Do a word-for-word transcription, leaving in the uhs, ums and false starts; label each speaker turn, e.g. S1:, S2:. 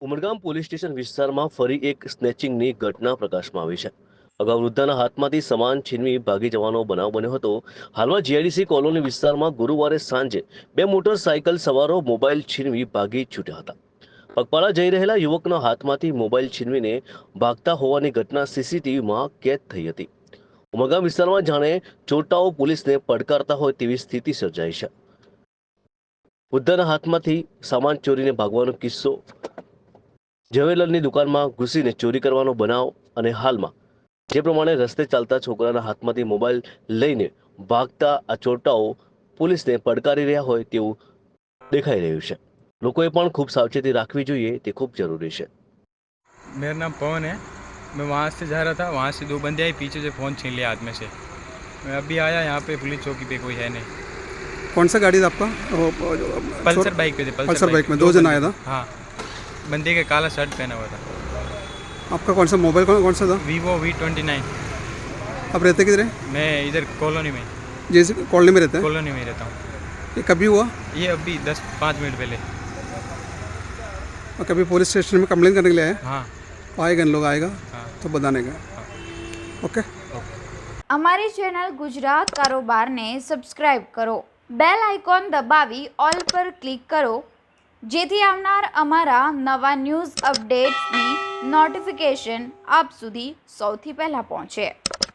S1: Umargam police station વિસ્તારમાં ફરી એક સ્નેચિંગની ઘટના પ્રકાશમાં આવી છે. અગાઉ વૃદ્ધાના હાથમાંથી સામાન છીનવી ભાગી જવાનો બનાવ બન્યો હતો. હાલમાં જીઆઈડીસી કોલોની વિસ્તારમાં ગુરુવારે સાંજે બે મોટરસાયકલ સવારો મોબાઈલ છીનવી ભાગી છૂટ્યા હતા. પગપાળા જઈ રહેલા યુવકના હાથમાંથી મોબાઈલ છીનવીને ભાગતા હોવાની ઘટના સીસીટીવીમાં કેદ થઈ હતી. ઉમરગામ વિસ્તારમાં જાણે ચોરટાઓ પોલીસને પડકારતા હોય તેવી સ્થિતિ સર્જાઈ છે. વૃદ્ધાના હાથમાંથી સામાન ચોરીને ભાગવાનો કિસ્સો, જ્વેલરની દુકાનમાં ઘૂસીને ચોરી કરવાનો બનાવ અને હાલમાં જે પ્રમાણે રસ્તે ચાલતા છોકરાના હાથમાંથી મોબાઈલ લઈને ભાગતા આ ચોરટાઓ પોલીસને પડકારી રહ્યા હોય તેવું દેખાઈ રહ્યું છે. લોકોએ પણ ખૂબ સાવચેતી રાખવી જોઈએ, તે ખૂબ જરૂરી છે.
S2: मेरा नाम पवन है। मैं वहाँ से जा रहा था, वहाँ से दो बंदे आए, पीछे से फ़ोन छीन लिया हाथ में से। मैं अभी आया यहाँ पे, पुलिस चौकी पे कोई है नहीं।
S3: कौन सा गाड़ी था आपका?
S2: पल्सर बाइक पे थे।
S3: पल्सर, पल्सर बाइक में दो जन आया था।
S2: हाँ, बंदे के काला शर्ट पहना हुआ था।
S3: आपका कौन सा मोबाइल कौन, कौन सा था?
S2: Vivo V twenty nine.
S3: आप रहते किधर हैं?
S2: मैं इधर कॉलोनी में,
S3: जैसे कॉलोनी में रहते हैं?
S2: कॉलोनी में रहता हूँ।
S3: ये कभी हुआ?
S2: ये अभी दस पाँच मिनट पहले।
S3: और कभी पुलिस स्टेशन में कंप्लेन करने के लिए आए?
S2: हाँ
S3: आएगा, इन लोग आएगा
S2: हाँ
S3: तो बताने का। ओके।
S4: અમારી ચેનલ ગુજરાત કારોબારને સબસ્ક્રાઇબ કરો, બેલ આઇકોન દબાવી ઓલ પર ક્લિક કરો, જેથી આવનાર અમારા નવા ન્યૂઝ અપડેટ્સની નોટિફિકેશન આપ સુધી સૌથી પહેલાં પહોંચે.